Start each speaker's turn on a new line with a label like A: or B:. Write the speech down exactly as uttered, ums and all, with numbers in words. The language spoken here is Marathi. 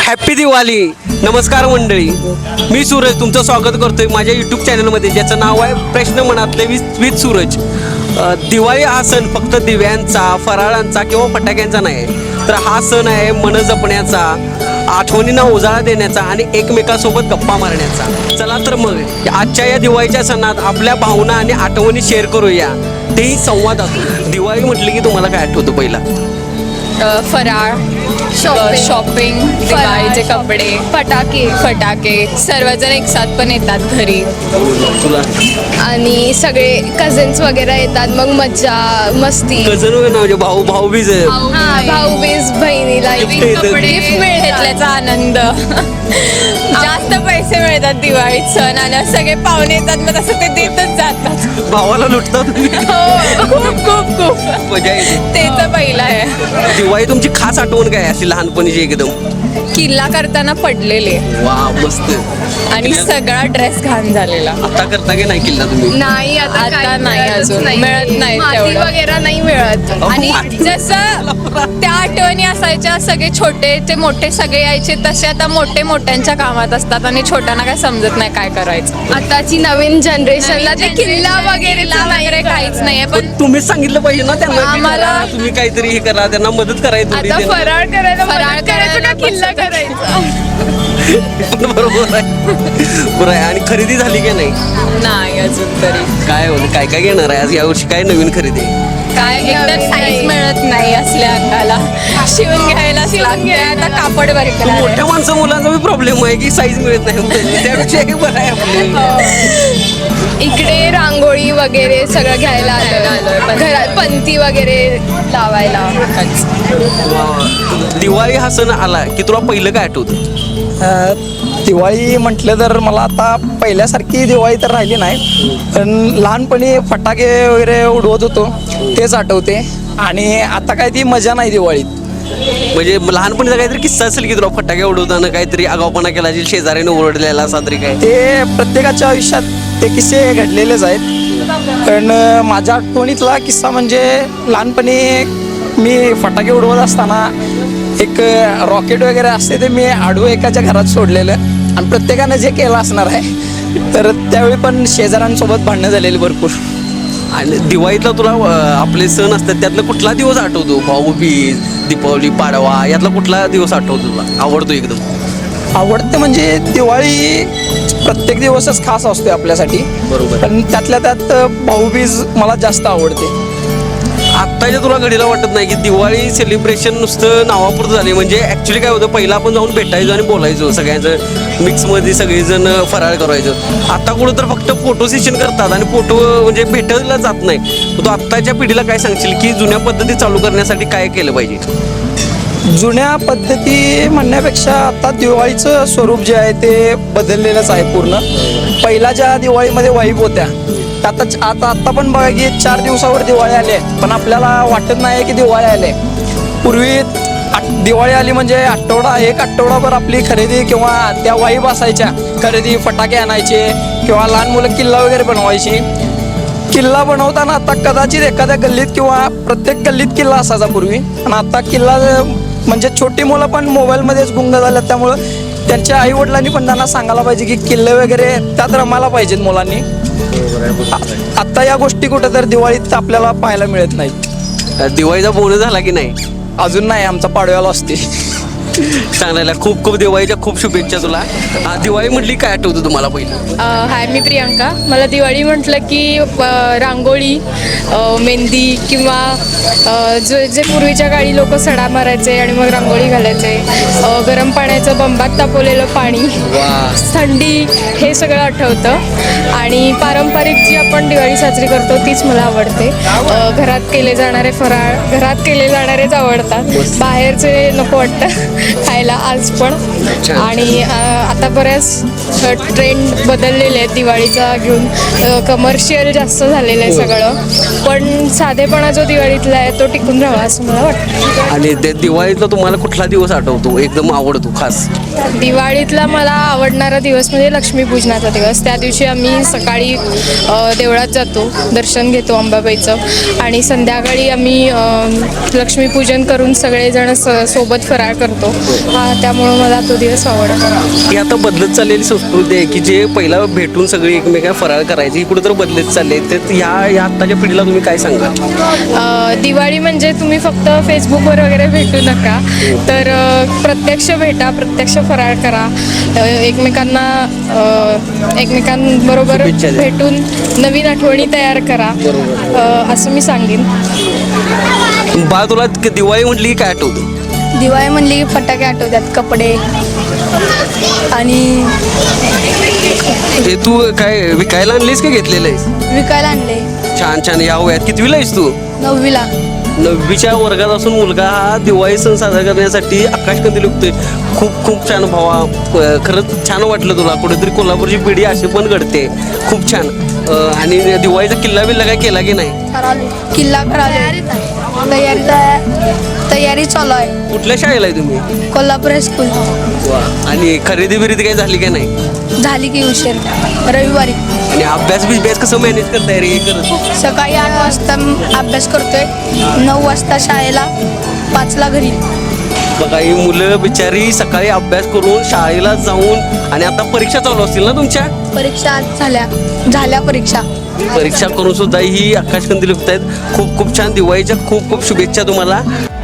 A: हॅप्पी दिवाळी. नमस्कार मंडळी, मी सूरज तुमचं स्वागत करतोय माझ्या यूट्यूब चॅनलमध्ये ज्याचं नाव आहे प्रश्न मनातले विथ विथ सूरज. अ, दिवाळी हा सण फक्त दिव्यांचा, फराळांचा किंवा फटाक्यांचा नाही, तर हा सण आहे मन जपण्याचा, आठवणींना उजाळा देण्याचा आणि एकमेकांसोबत गप्पा मारण्याचा. चला तर मग आजच्या या दिवाळीच्या सणात आपल्या भावना आणि आठवणी शेअर करूया, तेही संवादातून. दिवाळी म्हटली की तुम्हाला काय आठवतं पहिला?
B: फराळ, शॉपिंग, दिवाळीचे कपडे,
C: फटाके
B: फटाके, सर्वजण एक साथ पण येतात घरी.
A: तुला
C: आणि सगळे कझन्स वगैरे येतात, मग मज्जा मस्ती.
A: कजन म्हणजे भाऊ भाऊ बीज
C: हा, भाऊबीज बहिणीला
A: Gift
C: gift
A: येतात.
C: कपडे
B: गिफ्ट घेतल्याचा आनंद. जास्त पैसे मिळतात दिवाळीत सण आल्यावर, सगळे पाहुणे येतात, मग तसं ते देतच जातात.
A: भावाला लुटतात.
B: हो, खूप खूप खूप
A: मजा येते.
B: ते तर पहिलं आहे.
A: दिवाळी तुमची खास आठवण काय अशी लहानपणीची एकदम?
B: किल्ला करताना पडलेले
A: वा मस्त.
B: आणि सगळा ड्रेस घाण झालेला.
A: आता करता की नाही किल्ला तुम्ही?
C: नाही आता
B: आता
C: काही
B: नाही
C: मिळतच
B: अजून. मिळत नाही
C: माती
B: तेवढं.
C: वगैरे नाही मिळत.
B: आणि जसं त्या आठवणी असायच्या, सगळे छोटे ते मोठे सगळे यायचे, तसे आता मोठे मोठ्यांच्या कामात असतात आणि छोट्यांना काय समजत नाही काय करायचं.
C: आताची नवीन जनरेशनला ते
B: नवीन
C: किल्ला
B: generation
C: वगैरे
B: किल्ला वगैरे काहीच नाहीये. पण
A: पण तुम्हीच सांगितलं पाहिजे ना त्यांना की
B: आम्हाला-
A: करा, तुम्ही काहीतरी हे करा, त्यांना मदत करायची थोडी.
C: आता
A: त्यांना-
C: फराळ करायला
B: फराळ
C: फराळ करायचं
B: करायला
C: का किल्ला करायचा?
A: बरोबर आहे, बरोबर आहे. आणि खरेदी झाली की नाही?
B: नाही अजून तरी.
A: काय होतं, काय काय घेणार आहे आज यावर्षी? काय नवीन खरेदी?
B: काय एकतर
C: नवीन
B: साईज
C: नाही.
B: मिळत नाही असल्या अंगाला, शिवून घ्यायला लागते. आता कापड बरे
A: पण मोठ्या माणसं मुलांचा बी प्रॉब्लेम आहे की साईज मिळत नाही, त्यापेक्षा हे बरं आहे आपलं.
C: इकडे रांगोळी वगैरे सगळं घ्यायला
B: घ्यायला आलोय.
C: आलं, घरात पंती वगैरे लावायला.
A: दिवाळी हा सण आला की तुला पहिलं काय आठवतं?
D: अ, दिवाळी म्हटलं तर मला आता पहिल्यासारखी दिवाळी तर राहिली नाही, पण लहानपणी फटाके वगैरे उडवत होतो तेच आठवते. आणि आता काय ती मजा नाही दिवाळीत.
A: म्हणजे लहानपणीचा काहीतरी किस्सा असेल की तुला फटाके उडवताना काहीतरी आगाऊपणा केला असेल, शेजाऱ्याने ओरडलेला असा तरी काय?
D: ते प्रत्येकाच्या आयुष्यात ते किस्से घडलेलेच आहेत. पण अ, माझ्या आठवणीतला किस्सा म्हणजे लहानपणी मी फटाके उडवत असताना एक रॉकेट वगैरे असते ते मी आडवं एकाच्या घरात सोडलेलं, आणि प्रत्येकानं जे केलं असणार आहे. तर त्यावेळी पण शेजाऱ्यांसोबत भांडणं झालेली भरपूर.
A: आणि दिवाळीतला तुला अं, आपले सण असतात त्यातला कुठला दिवस आठवतो? भाऊबीज, दीपावली, पाडवा, यातला कुठला दिवस आठवतो तुला, आवडतो एकदम?
D: आवडते म्हणजे दिवाळी प्रत्येक दिवसच खास असतो आपल्यासाठी,
A: बरोबर.
D: पण त्यातल्या त्यात भाऊबीज मला जास्त आवडते.
A: आत्ताच्या तुला घडीला वाटत नाही की दिवाळी सेलिब्रेशन नुसतं नावापुरतं झाले? म्हणजे ॲक्च्युली काय होतं, पहिला आपण जाऊन भेटायचो आणि बोलायचो, सगळ्यांचं मिक्समध्ये सगळेजण फराळ करायचं. आता कुठं तर फक्त फोटो सेशन करतात आणि फोटो म्हणजे भेटायला जात नाही. तू आत्ताच्या पिढीला काय सांगशील की जुन्या पद्धती चालू करण्यासाठी काय केलं पाहिजे?
D: जुन्या पद्धती म्हणण्यापेक्षा आता दिवाळीचं स्वरूप जे आहे ते बदललेलंच आहे पूर्ण. पहिला ज्या दिवाळीमध्ये वाईब होत्या, आता आता आता पण बघा की चार दिवसावर दिवाळी आली आहे, पण आपल्याला वाटत नाही की दिवाळी आली आहे. पूर्वी आठ दिवाळी आली म्हणजे आठवडा एक आठवडाभर आपली खरेदी किंवा त्या वाईब असायच्या, खरेदी, फटाके आणायचे किंवा लहान मुलं किल्ला वगैरे बनवायची. किल्ला बनवताना आता कदाचित एखाद्या गल्लीत किंवा प्रत्येक गल्लीत किल्ला असायचा पूर्वी, आणि आता किल्ला म्हणजे छोटी मुलं पण मोबाईलमध्येच गुंग झाल्यात. त्यामुळं त्यांच्या आई वडिलांनी पण त्यांना सांगायला पाहिजे की किल्ले वगैरे त्यात रमायला पाहिजेत मुलांनी. आता या गोष्टी कुठं तर दिवाळीत आपल्याला पाहायला मिळत नाहीत.
A: दिवाळीचा बोनस झाला की नाही?
D: अजून नाही, आमचा पाडव्याला असते.
A: चांगला, खूप खूप दिवाळीच्या खूप शुभेच्छा तुला. हा, दिवाळी म्हटली काय आठवतं तुम्हाला पहिलं?
E: हाय, मी प्रियांका. मला दिवाळी म्हटलं की अ, रांगोळी, अ, मेहंदी किंवा अ, जो जे पूर्वीच्या काळी लोक सडा मारायचे आणि मग रांगोळी घालायचे, अ, गरम पाण्याचं बंबात तापवलेलं पाणी, थंडी, हे सगळं आठवतं. आणि पारंपरिक जी आपण दिवाळी साजरी करतो तीच मला आवडते. अ, घरात केले जाणारे फराळ घरात केले जाणारेच आवडतात, बाहेरचे नको वाटतं खायला आज पण. आणि अ, आता बऱ्याच ट्रेंड बदललेले आहेत दिवाळीचा घेऊन, कमर्शियल जास्त झालेलं आहे सगळं, पण साधेपणा जो दिवाळीतला आहे तो टिकून राहावा असं मला वाटतं.
A: आणि ते दिवाळीतला तुम्हाला कुठला दिवस आठवतो एकदम आवडतो खास?
E: दिवाळीतला मला आवडणारा दिवस म्हणजे लक्ष्मीपूजनाचा दिवस. त्या दिवशी आम्ही सकाळी अ, देवळात जातो, दर्शन घेतो अंबाबाईचं आणि संध्याकाळी आम्ही अ, लक्ष्मीपूजन करून सगळेजण स सोबत फराळ करतो. हा त्यामुळं मला तो दिवस आवडतो.
A: ही आता बदलत चाललेली संस्कृती आहे की जे पहिला भेटून सगळी एकमेकांना फराळ करायची, ही कुठेतरी बदलत चालली आहे. तर ह्या ह्या आत्ताच्या पिढीला तुम्ही काय सांगाल?
E: अ, दिवाळी म्हणजे तुम्ही फक्त फेसबुकवर वगैरे भेटू नका, तर अ, प्रत्यक्ष भेटा, प्रत्यक्ष फराळ करा, अ, एकमेकांना अ, एकमेकांबरोबर
A: शुभेच्छा द्या.
E: भेटून नवीन आठवणी तयार करा, अ, असं मी सांगेन.
A: बा तुला दिवाळी म्हटली की काय आठवतं?
C: दिवाळी म्हणली की फटाके आठवतात, कपडे आणि
A: हे तू काय विकायला आणलीस का घेतलेलं आहेस?
C: विकायला आणले.
A: छान छान. या वयात कितवीला आहेस तू?
C: नववीला.
A: नववीच्या वर्गात असून मुलगा हा दिवाळी सण साजरा करण्यासाठी आकाशकंदील विकतोय. खूप खूप छान भावा. अ, खरंच छान वाटलं तुला. कुठेतरी कोल्हापूरची पिढी अशी पण घडते. खूप छान. अ, आणि दिवाळीचा किल्ला बिल्ला काय केला की नाही?
C: किल्ला कराले. तयारी तयारी चालू आहे.
A: कुठल्या शाळेला आहे तुम्ही?
C: कोल्हापूर हायस्कूल.
A: वा. आणि खरेदी बिरेदी काही झाली का नाही?
C: झाली की उशीर रविवारी.
A: आणि अभ्यास बिभ्यास कसं मॅनेज करताय रे हे करत?
C: सकाळी आठ वाजता अभ्यास करतोय, नऊ वाजता शाळेला, पाचला घरी.
A: बघा ही मुलं बिचारी सकाळी अभ्यास करून शाळेला जाऊन आणि आता परीक्षा चालू असतील ना तुमच्या?
C: परीक्षा आज झाल्या झाल्या परीक्षा.
A: परीक्षा करून सुद्धा ही आकाशकंदील विकतायत. खूप खूप छान. दिवाळीच्या खूप खूप शुभेच्छा तुम्हाला.